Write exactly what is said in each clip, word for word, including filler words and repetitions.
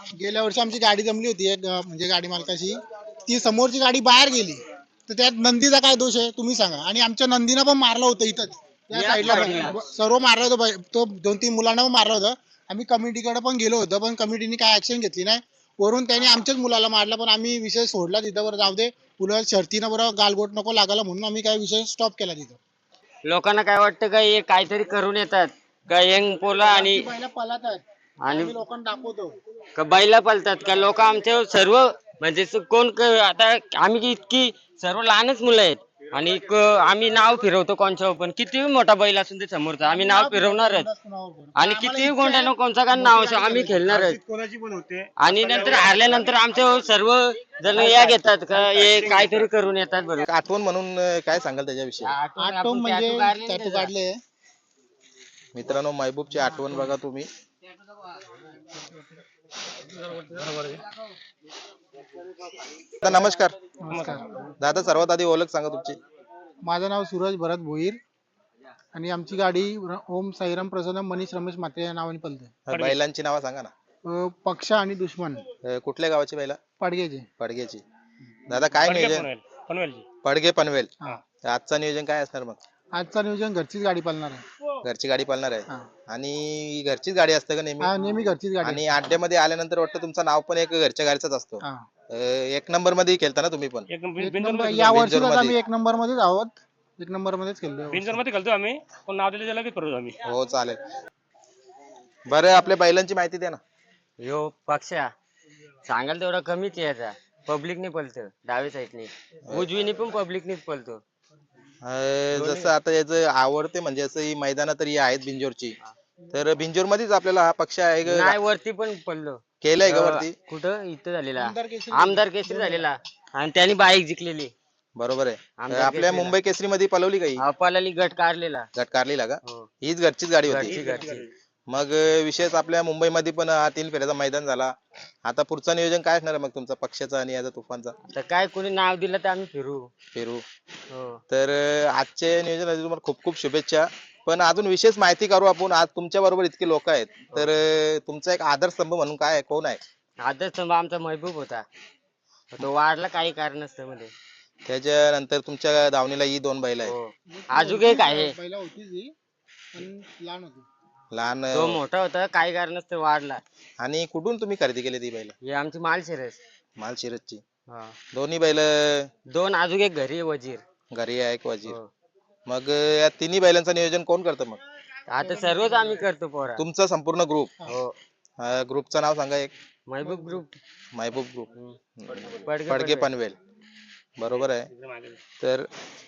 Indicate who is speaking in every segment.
Speaker 1: गेल्या वर्षी आमची गाडी जमली होती एक अं, म्हणजे गाडी मालकाची, ती समोरची गाडी बाहेर गेली, तर त्यात नंदीचा काय दोष आहे तुम्ही सांगा. आणि आमच्या नंदीनं पण मारलं होतं इथंच त्या साईडला पण. सर्व मारलं होतं बाई- तो दोन तीन मुलांना पण मारलं होतं. आम्ही कमिटीकडे पण गेलो होतो, पण कमिटीने काय ऍक्शन घेतली नाही. वरून त्याने आमच्याच मुलाला मारला, पण आम्ही विषय सोडला तिथं. बरं जाऊ दे, पुढे शर्तीनं बरं गालबोट नको लागायला म्हणून आम्ही काय विषय स्टॉप केला तिथं.
Speaker 2: लोकांना काय वाटतं का हे काहीतरी करून येतात का यंग पोला आणि
Speaker 1: बैला पळतात
Speaker 2: आणि
Speaker 1: आम्ही लोकांना दाखवतो.
Speaker 2: का बैला पळतात का लोक आमचे सर्व म्हणजे स- कोण क- आता आम्ही इतकी सर्व लहानच मुलं आहेत आणि क- आम्ही नाव फिरवतो कोणच्या पण किती मोठा बैल असून ते समोरचा आम्ही नाव फिरवणारच आणि किती गोंड्यानं कोणचा का नाव असो आम्ही खेळणारच. आणि नंतर हारल्यानंतर आमचे सर्व जण या घेतात का हे काहीतरी करून येतात बरोबर.
Speaker 3: आठवण म्हणून अं, काय सांगाल त्याच्याविषयी?
Speaker 1: आठवण म्हणजे टॅटू काढले.
Speaker 3: मित्रांनो, महबूबची आठवण बघा तुम्ही. दादा, नमस्कार.
Speaker 1: नमस्कार.
Speaker 3: दादा, सर्वात आधी ओळख सांगा तुमची.
Speaker 1: माझं नाव सूरज भरत भोईर आणि आमची गाडी ओम साईराम प्रसन्न मनीष रमेश मात्रे या नावाने पळते.
Speaker 3: बैलांची नावं सांगा ना.
Speaker 1: अं, पक्ष आणि दुश्मन
Speaker 3: अं, कुठल्या गावाची बैला?
Speaker 1: पाडग्याचे.
Speaker 3: पडगेची. दादा, काय नियोजन? पडगे पनवेल.
Speaker 1: हा.
Speaker 3: आजचं नियोजन काय असणार मग?
Speaker 1: आजचा नियोजन घरचीच गाडी पळणार आहे.
Speaker 3: घरची गाडी पळणार आहे
Speaker 1: हा.
Speaker 3: आणि घरचीच गाडी असते का नेहमी?
Speaker 1: हा, नेहमी घरचीच गाडी
Speaker 3: आणि अड्ड्यामध्ये आल्यानंतर वाटतं तुमचं नाव पण एक घरच्या गाडीचाच असतो.
Speaker 1: हा.
Speaker 3: अं, एक नंबर मध्ये खेळता ना तुम्ही पण?
Speaker 1: एक नंबर या वर्षी
Speaker 3: बिंजोरमध्ये.
Speaker 1: आम्ही एक नंबर मध्येच आहोत. एक नंबर मध्येच खेळलो.
Speaker 4: बिंजर मध्ये घालतो आम्ही पण नाव दिलं त्याला बी करू आम्ही.
Speaker 3: हो, चालेल. बरं, आपल्या बैलांची माहिती द्या ना.
Speaker 2: यो पक्षा सांगाल तेवढा कमीच याचा पब्लिकने पळतो डावी साईडने उजवीने पण पब्लिकनेच पळतो.
Speaker 3: अं, जसं आता याचं आवडते म्हणजे असं ही मैदान तरी आहेत बिंजोरची, तर बिंजोर मध्येच आपल्याला हा पक्ष आहे का?
Speaker 2: नाही वरती पण पळलो.
Speaker 3: केलंय का वरती?
Speaker 2: कुठं इथं झालेला
Speaker 1: आमदार केसरी.
Speaker 2: आमदार केसरी झालेला आणि त्यांनी बाईक जिंकलेली.
Speaker 3: बरोबर आहे.
Speaker 2: आमदार
Speaker 3: आपल्या
Speaker 2: केसरीला.
Speaker 3: मुंबई केसरी मध्ये पळवली काही
Speaker 2: अपालाली गट काढलेला.
Speaker 3: गट कारलीला का?
Speaker 2: हो.
Speaker 3: हीच घरचीच गाडी
Speaker 2: घरची
Speaker 3: होती.
Speaker 2: घरची
Speaker 3: मग अं, विशेष आपल्या मुंबईमध्ये पण हा तीन फेऱ्याचा मैदान झाला. आता पुढचं नियोजन काय असणार आहे मग तुमचा पक्षाचा आणि याचा तुफानचा?
Speaker 2: तर काय कोणी नाव दिलं तर आम्ही फिरू.
Speaker 3: फिरू.
Speaker 2: हो
Speaker 3: तर अं, आजचे नियोजनासाठी तुम्हाला खूप खूप शुभेच्छा. पण अजून विशेष माहिती करू आपण. आज तुमच्या बरोबर इतके लोक आहेत, तर अं, तुमचा एक आदर्शस्तंभ म्हणून काय आहे, कोण आहे?
Speaker 2: आदर्श स्तंभ आमचा महबूब होता. तो वाढला काही कारण नसतं मध्ये.
Speaker 3: त्याच्यानंतर तुमच्या दावणीला ही दोन बैल आहेत.
Speaker 2: हो. अजून एक आहे
Speaker 1: पहिला होती ती पण लहान होती.
Speaker 3: लहान.
Speaker 2: तो मोठा होता काही कारण नसतं वाढला.
Speaker 3: आणि कुठून तुम्ही खरेदी केली ती बैल?
Speaker 2: हे आमची मालशिरस.
Speaker 3: मालशिरसची.
Speaker 2: हा.
Speaker 3: दोन्ही बैल
Speaker 2: दोन अजून एक घरी आहे वजीर.
Speaker 3: घरी आहे एक वजीर.
Speaker 2: हो.
Speaker 3: मग अं, या तिन्ही बैलांचं नियोजन कोण करतं मग?
Speaker 2: आता सर्वच आम्ही करतो पोरा.
Speaker 3: तुमचा संपूर्ण ग्रुप?
Speaker 2: हो.
Speaker 3: ग्रुपचं नाव सांगा एक.
Speaker 2: महबूब ग्रुप.
Speaker 3: महबूब ग्रुप.
Speaker 2: पडगे
Speaker 3: पडगे
Speaker 2: पनवेल.
Speaker 3: पनवेल. बरोबर आहे. तर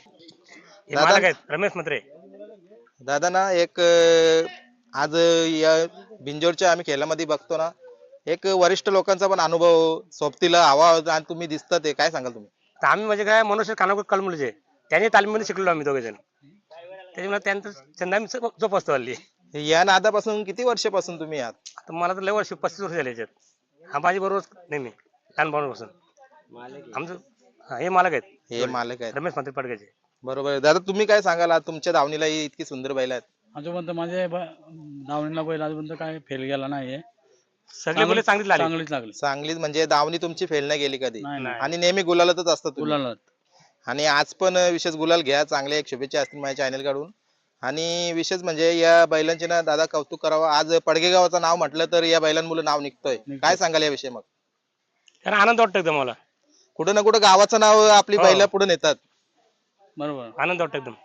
Speaker 4: हे
Speaker 3: दादा
Speaker 4: मालक आहेत रमेश मंत्रे.
Speaker 3: दादा ना एक अं, आज या बिंजोरच्या आम्ही खेळामध्ये बघतो ना, एक वरिष्ठ लोकांचा पण अनुभव सोबतीला हवा आणि तुम्ही दिसता, ते काय सांगाल तुम्ही?
Speaker 4: तर आम्ही म्हणजे काय मनुष्य कानाकोट कलमुलीचे त्यांनी तालीममध्ये शिकलो आम्ही दोघे जण. त्याच्यामुळे त्यांचं त्यांना आम्ही जोप- जोपासतो हल्ली.
Speaker 3: या नादापासून किती वर्षापासून तुम्ही आहात?
Speaker 4: तर मला तर लय वर्ष पस्तीस वर्ष झाले याच्यात. हा माझी बरोबर नेहमी लहानपणापासून आमचं. हा, हे मालक आहेत.
Speaker 3: हे मालक आहेत.
Speaker 4: रमेश मंत्रे पडग्याचे.
Speaker 3: बरोबर आहे. दादा, तुम्ही काय सांगाल? आज तुमच्या दावणीला ही इतकी सुंदर बैल आहेत.
Speaker 5: आजोपर्यंत माझे दावणीला बैल आजपर्यंत काय फेल गेला नाहीये.
Speaker 4: सगळे मुले चांगली लागली.
Speaker 5: चांगलीच लागली.
Speaker 3: चांगलीच म्हणजे दावणी तुमची फेल नाही गेली कधी?
Speaker 5: नाही नाही
Speaker 3: आणि नेहमी गुलालातच असतात तुम्ही.
Speaker 5: गुलाला
Speaker 3: आणि आज पण विशेष गुलाल घ्या. चांगले एक शुभेच्छा असतील माझ्या चॅनल कडून. आणि विशेष म्हणजे या बैलांचे ना दादा कौतुक करावं. आज पडगे गावाचं नाव म्हटलं तर या बैलांमुळे नाव निघतोय. काय सांगाल याविषयी मग?
Speaker 4: कारण आनंद वाटतो एकदम मला.
Speaker 3: कुठं ना कुठं गावाचं नाव आपली
Speaker 4: हो.
Speaker 3: बैला पुढे नेतात.
Speaker 5: बरोबर.
Speaker 4: आनंद वाटतो एकदम.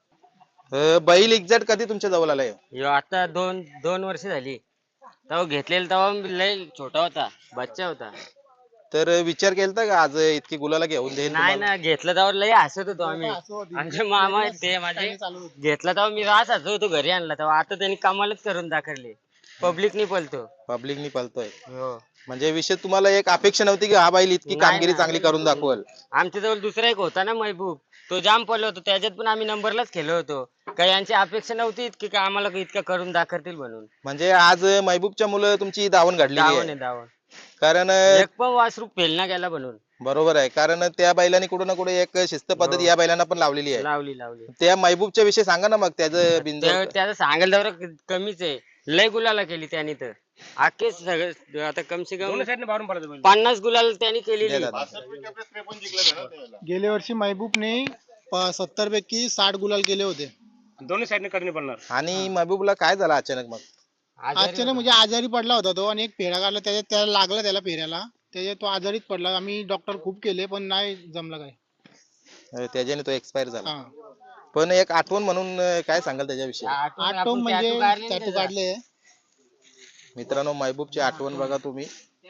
Speaker 3: अं, बैल एक्झॅक्ट कधी तुमच्या जवळ आलाय?
Speaker 2: ह्यो आता दोन दोन वर्ष झाली. तेव्हा घेतलेला तेव्हा लय छोटा होता बच्चा होता.
Speaker 3: तर विचार केलता का आज इतकी गुलाला घेऊन देईल
Speaker 2: नाही
Speaker 3: तुम्हाला?
Speaker 2: ना घेतलं तेव्हा लय हसत होतो आम्ही.
Speaker 1: असं होती.
Speaker 2: आमचे मामा आहेत ते माझे.
Speaker 1: चालू होती.
Speaker 2: घेतला तेव्हा मी रास हसत होतो घरी आणला तेव्हा. आता त्यांनी कमालच करून दाखवली. पब्लिकनी पळतो.
Speaker 3: पब्लिकनी पळतोय
Speaker 2: हो.
Speaker 3: म्हणजे विषय तुम्हाला एक अपेक्षा नव्हती की हा बैल इतकी
Speaker 2: नाही
Speaker 3: कामगिरी
Speaker 2: ना.
Speaker 3: चांगली करून दाखवल?
Speaker 2: आमच्या जवळ दुसरा एक होता ना महबूब. तो जाम पळलो होतो त्याच्यात पण आम्ही नंबरलाच खेळलो होतो. काही यांची अपेक्षा नव्हती इतकी का आम्हाला इतकं करून दाखवतील म्हणून.
Speaker 3: म्हणजे आज महबूबच्या मुलं तुमची धावण घडली
Speaker 2: धावण
Speaker 3: आहे.
Speaker 2: आहे धावण.
Speaker 3: कारण
Speaker 2: एक पण वासरू फेल ना गेला म्हणून.
Speaker 3: बरोबर आहे. कारण त्या बैलांनी कुठे ना कुठे एक शिस्त पद्धत
Speaker 2: हो.
Speaker 3: या बैलांना पण लावलेली आहे.
Speaker 2: लावली लावली.
Speaker 3: त्या महबूबच्या विषयी सांगा ना मग. त्याचं बिंजोर
Speaker 2: त्या- त्याचं सांगायला तेवढं कमीच आहे. लय गुलाला केली त्याने तर. अख्खे सगळे आता कम से कम
Speaker 4: दोन्ही साईडने बाहेरून पडतो बैल.
Speaker 2: पन्नास गुलाल त्यांनी केलेली
Speaker 3: दे दादा.
Speaker 1: गेल्या वर्षी महबूबने सत्तर पैकी साठ गुलाल केले होते.
Speaker 4: दोन्ही साईडने कडनी पडणार.
Speaker 3: आणि महबूबला काय झालं अचानक मग?
Speaker 1: अचानक म्हणजे आजारी पडला होता तो आणि एक फेरा काढला त्याच्यात त्याला लागला त्याला फेऱ्याला त्याच्यात तो आजारीच पडला. आम्ही डॉक्टर खूप केले पण नाही जमलं काय.
Speaker 3: अं, त्याच्याने तो एक्सपायर झाला.
Speaker 1: हा
Speaker 3: पण एक आठवण म्हणून अं, काय सांगाल त्याच्याविषयी?
Speaker 1: आठवण म्हणजे टॅटू काढले.
Speaker 3: मित्रांनो, महबूबची आठवण बघा तुम्ही.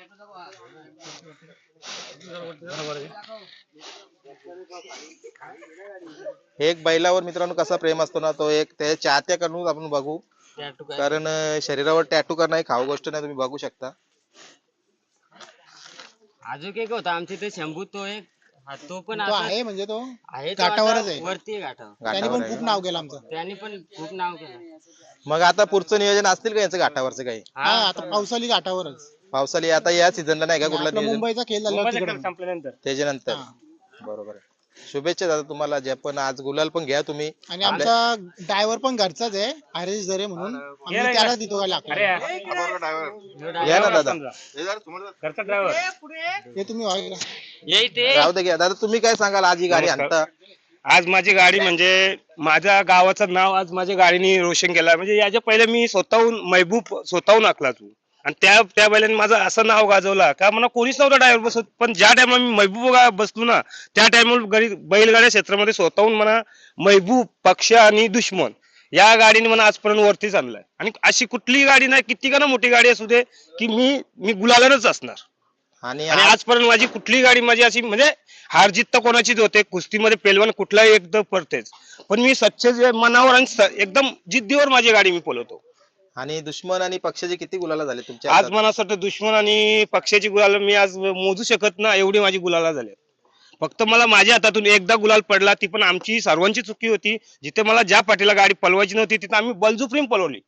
Speaker 3: एक बैलावर मित्रांनो कसा प्रेम असतो ना, तो एक त्या चाहत्याकडून आपण बघू. कारण अं, शरीरावर टॅटू करणं ही खाऊ गोष्ट नाही, तुम्ही बघू शकता.
Speaker 2: अजून एक होता आमच्या इथे शंभू तो एक हा, तो पण
Speaker 1: तो
Speaker 2: आता
Speaker 1: आहे म्हणजे तो
Speaker 2: आहे तो
Speaker 1: घाटावरच
Speaker 2: आता
Speaker 1: आहे.
Speaker 2: वरती आहे घाटावर.
Speaker 1: त्याने
Speaker 3: घाटावर
Speaker 1: पण
Speaker 3: आहे
Speaker 1: खूप
Speaker 3: का?
Speaker 1: नाव केलं आमचं.
Speaker 2: त्यांनी पण खूप नाव केलं.
Speaker 3: मग आता पुढचं नियोजन असतील का याचं घाटावरचं काही?
Speaker 1: हा आता पावसाळी घाटावरच.
Speaker 3: पावसाळी आता या सीझनला नाही का कुठला
Speaker 1: आपला
Speaker 3: नियोजन?
Speaker 1: मुंबईचा खेळ झाला
Speaker 4: मुंबईचा
Speaker 1: तिकडे.
Speaker 4: खेळ संपल्यानंतर
Speaker 3: त्याच्यानंतर
Speaker 1: हा.
Speaker 3: बरोबर आहे. शुभेच्छा दादा तुम्हाला. जे पण आज गुलाल पण घ्या तुम्ही.
Speaker 1: आणि आमचा ड्रायव्हर पण घरचाच आहे हरीश जरे म्हणून. आम्ही
Speaker 4: ये रे,
Speaker 1: त्याला देतो काय लागतं.
Speaker 4: अरे
Speaker 3: या ना दादा.
Speaker 4: घरचा ड्रायव्हर.
Speaker 1: हे तुम्ही व्हाय का?
Speaker 2: ये ते
Speaker 3: राहू दे घ्या. दादा तुम्ही काय सांगाल आज ही गाडी
Speaker 4: नमस्कार.
Speaker 3: आणता?
Speaker 4: आज माझी गाडी म्हणजे माझ्या गावाचं नाव आज माझ्या गाडीने रोशन केलं. म्हणजे याच्या पहिले मी स्वतःहून महबूब स्वतःहून आखला तू आणि त्या त्या बैलाने माझं असं नाव गाजवलं का मला कोणीच नव्हतं ड्रायव्हर बसत. पण ज्या टायमाला मी महबूब गा- बसलो ना त्या टायमाला गडी बैलगाड्या क्षेत्रामध्ये स्वतःहून मला महबूब, पक्ष आणि दुश्मन या गाडीने मला आजपर्यंत वरतीच आणलाय. आणि अशी कुठलीही गाडी नाही, किती का ना मोठी गाडी असू दे, की मी मी गुलालानच असणार.
Speaker 3: आणि
Speaker 4: आणि
Speaker 3: आज
Speaker 4: आजपर्यंत माझी कुठलीही गाडी माझी अशी म्हणजे हार जीत तर कोणाचीच होते, कुस्तीमध्ये पेलवान कुठलाही एकदम पडतेच, पण मी सच्चे जे मनावर आणि स- एकदम जिद्दीवर माझी गाडी मी पळवतो.
Speaker 3: आणि दुश्मन आणि पक्षाचे किती गुलाला झाले तुमच्या
Speaker 4: आज
Speaker 3: हातात?
Speaker 4: मला असं वाटतं दुश्मन आणि पक्षाची गुलाल मी आज मोजू शकत ना एवढी माझी गुलाला झाली. फक्त मला माझ्या हातातून एकदा गुलाल पडला, ती पण आमची सर्वांची चुकी होती. जिथे मला ज्या पाठीला गाडी पळवायची नव्हती तिथे आम्ही बलजुप्रीम पळवली.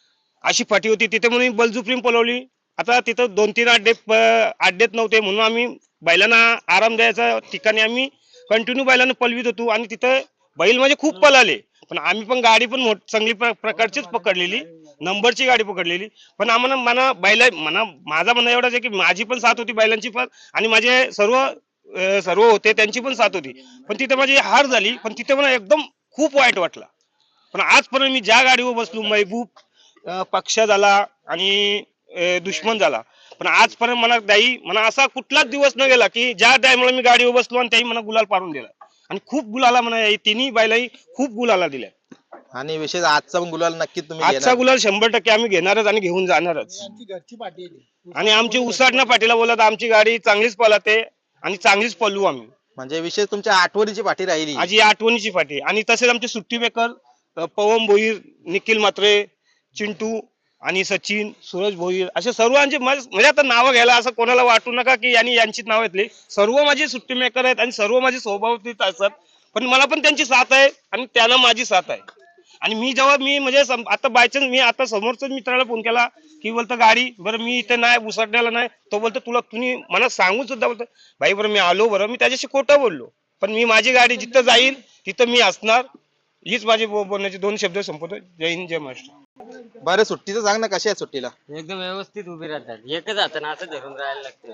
Speaker 4: अशी फाटी होती तिथे म्हणून मी बलजुप्रीम पळवली. आता तिथं दोन तीन अड्डे प- अड्डेत नव्हते म्हणून आम्ही बैलांना आराम द्यायच्या ठिकाणी आम्ही कंटिन्यू बैलांना पळवीत होतो आणि तिथं बैल म्हणजे खूप पळाले. पण आम्ही पण गाडी पण मोठ चांगली प्र- प्रकारचीच पकडलेली, नंबरची गाडी पकडलेली. पण आम्हाला मना बैला मना माझा म्हणणं एवढाच आहे की माझी पण साथ होती बैलांची पण आणि माझे सर्व अं, सर्व होते त्यांची पण साथ होती. पण तिथे माझी हार झाली. पण तिथे मला एकदम खूप वाईट वाटला. पण आजपर्यंत मी ज्या गाडीवर बसलो महबूब, अं, पक्ष झाला आणि अं, दुश्मन झाला, पण आजपर्यंत मला दाई मला असा कुठलाच दिवस न गेला की ज्या टायमाला मी गाडीवर बसलो आणि त्याही मला गुलाल पाडून दिला. आणि खूप गुलाला म्हणा तिन्ही बैलाही खूप गुलाला दिल्या.
Speaker 3: आणि विशेष आजचा पण गुलाल नक्की तुम्ही
Speaker 4: आजचा
Speaker 3: घेणार.
Speaker 4: गुलाल शंभर टक्के आम्ही घेणारच आणि घेऊन जाणारच.
Speaker 1: आमची घरची पाठी आहे ती.
Speaker 4: आणि आमची उसाटणं पाठीला बोलत आमची गाडी चांगलीच पळते आणि चांगलीच पळू आम्ही.
Speaker 3: म्हणजे विशेष तुमच्या आठवणीची पाठी राहिली.
Speaker 4: आज ही आठवणीची पाठी. आणि तसेच आमचे सुट्टी मेकर अ, पवन भोईर, निखिल म्हात्रे, चिंटू आणि सचिन, सूरज भोईर असे सर्वांचे माझे म्हणजे आता नावं घ्यायला असं कोणाला वाटू नका की यांनी यांचीच नाव घेतली. सर्व माझे सुट्टी मेकर आहेत आणि सर्व माझे स्वभावतीत असतात. पण मला पण त्यांची साथ आहे आणि त्यांना माझी साथ आहे. आणि मी जेव्हा मी म्हणजे सम- आता बायचान्स मी आता समोरच मित्राला फोन केला की बोलतो गाडी बरं मी इथे नाही उसडण्याला नाही, तो बोलतो तुला तुम्ही मला सांगून सुद्धा बोलतो भाई बरं मी आलो बरं. मी त्याच्याशी खोटं बोललो, पण मी माझी गाडी जिथं जाईल तिथं मी असणार. हीच माझी बो- बोलण्याची दोन शब्द संपवतो. जय हिंद, जय महाराष्ट्र.
Speaker 3: बरं सुट्टीचं सांग ना, कशी आहे सुट्टीला?
Speaker 2: एकदम व्यवस्थित उभी राहतात. एकच हाताने असं धरून राहायला लागतं.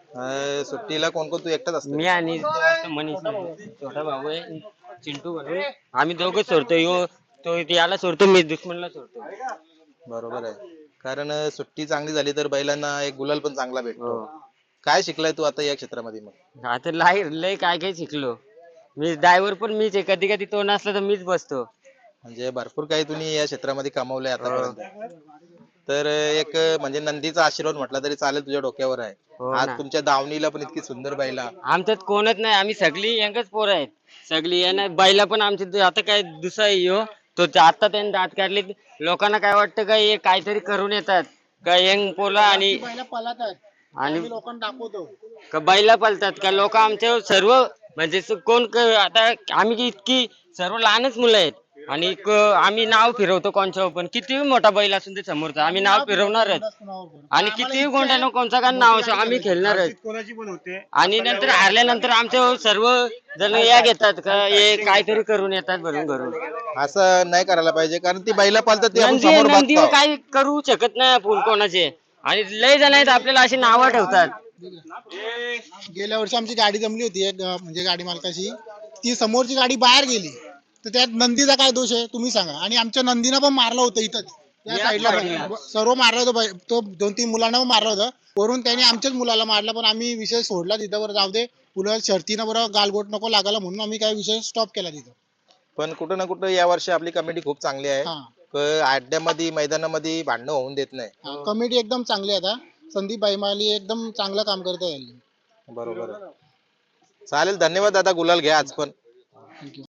Speaker 3: अं, सुट्टीला कोण कोण तू एकटाच असतो?
Speaker 2: मी आणि तो आता मनीष आहे, छोटा भाऊ आहे चिंटू म्हणून. आम्ही दोघं सोडतो. यो तो याला सोडतो, मी दुश्मनला सोडतो.
Speaker 3: बरोबर आहे. कारण अं, सुट्टी चांगली झाली तर बैलांना एक गुलाल पण चांगला भेटतो.
Speaker 2: हो.
Speaker 3: काय शिकलाय तू आता या क्षेत्रामध्ये मग?
Speaker 2: आता लय लय काय काय शिकलो. मी ड्रायव्हर पण मीच आहे. कधी कधी तो नसला तर मीच बसतो.
Speaker 3: म्हणजे भरपूर काही तुम्ही या क्षेत्रामध्ये कमावलंय आतापर्यंत. तर अं, एक अं, म्हणजे नंदीचा आशीर्वाद म्हटला तरी चालेल तुझ्या डोक्यावर आहे.
Speaker 2: हो
Speaker 3: आज
Speaker 2: ना.
Speaker 3: तुमच्या दावणीला पण इतकी सुंदर बैला.
Speaker 2: आमच्यात कोणच नाही. आम्ही सगळी यंगच पोरं आहेत. सगळी यांना बैला पण आमची आता काय दुसरा यो तो आता त्यांनी दात काढले. लोकांना काय वाटतं का हे काहीतरी करून येतात का यंग पोला आणि
Speaker 1: बैला पळतात
Speaker 2: आणि
Speaker 1: आम्ही लोकांना दाखवतो.
Speaker 2: का बैला पळतात का लोक आमच्या सर्व म्हणजे स- कोण क- आता आम्ही इतकी सर्व लहानच मुलं आहेत आणि क- आम्ही नाव फिरवतो कोणच्या पण कितीही मोठा बैल असून ते समोरचा आम्ही नाव फिरवणारच. आणि कितीही कोणत्या कोणचा का नाव असो आम्ही खेळणारच.
Speaker 4: कोणाची पण होते.
Speaker 2: आणि नंतर हारल्यानंतर आमचे सर्व जण या घेतात का हे काहीतरी करून येतात भरून घरून.
Speaker 3: असं नाही करायला पाहिजे, कारण ती बैला पालतात ती आपण
Speaker 2: नंदी
Speaker 3: समोर
Speaker 2: नंदीवर
Speaker 3: बघतो.
Speaker 2: काही करू शकत नाही आपण कोणाचे. आणि लय जण आहेत आपल्याला अशी नावं ठेवतात.
Speaker 1: गेल्या वर्षी आमची गाडी जमली होती एक अं, म्हणजे गाडी मालकाशी, ती समोरची गाडी बाहेर गेली तर त्यात नंदीचा काय दोष आहे तुम्ही सांगा. आणि आमच्या नंदीनं पण मारलं होतं इथं त्या
Speaker 2: याच
Speaker 1: साईडला
Speaker 2: पाठीला.
Speaker 1: पण. सर्व मारलं होतं बाई- तो दोन तीन मुलांना पण मारलं होतं. वरून त्याने आमच्याच मुलाला मारलं, पण आम्ही विषय सोडला तिथं. बरं जाऊ दे, पुढे शर्तीनं बरं गालबोट नको लागायला म्हणून आम्ही काय विषय स्टॉप केला तिथं.
Speaker 3: पण कुठं ना कुठं या वर्षी आपली कमिटी खूप चांगली आहे.
Speaker 1: हा
Speaker 3: क- अड्ड्यामध्ये मैदानामध्ये भांडणं होऊन देत नाही.
Speaker 1: कमिटी एकदम चांगली आहे. आता संदीप बाईमाली एकदम चांगलं काम करत आहे.
Speaker 3: बरोबर आहे. चालेल, धन्यवाद दादा, गुलाल घ्या आज पण.
Speaker 1: थँक्यू.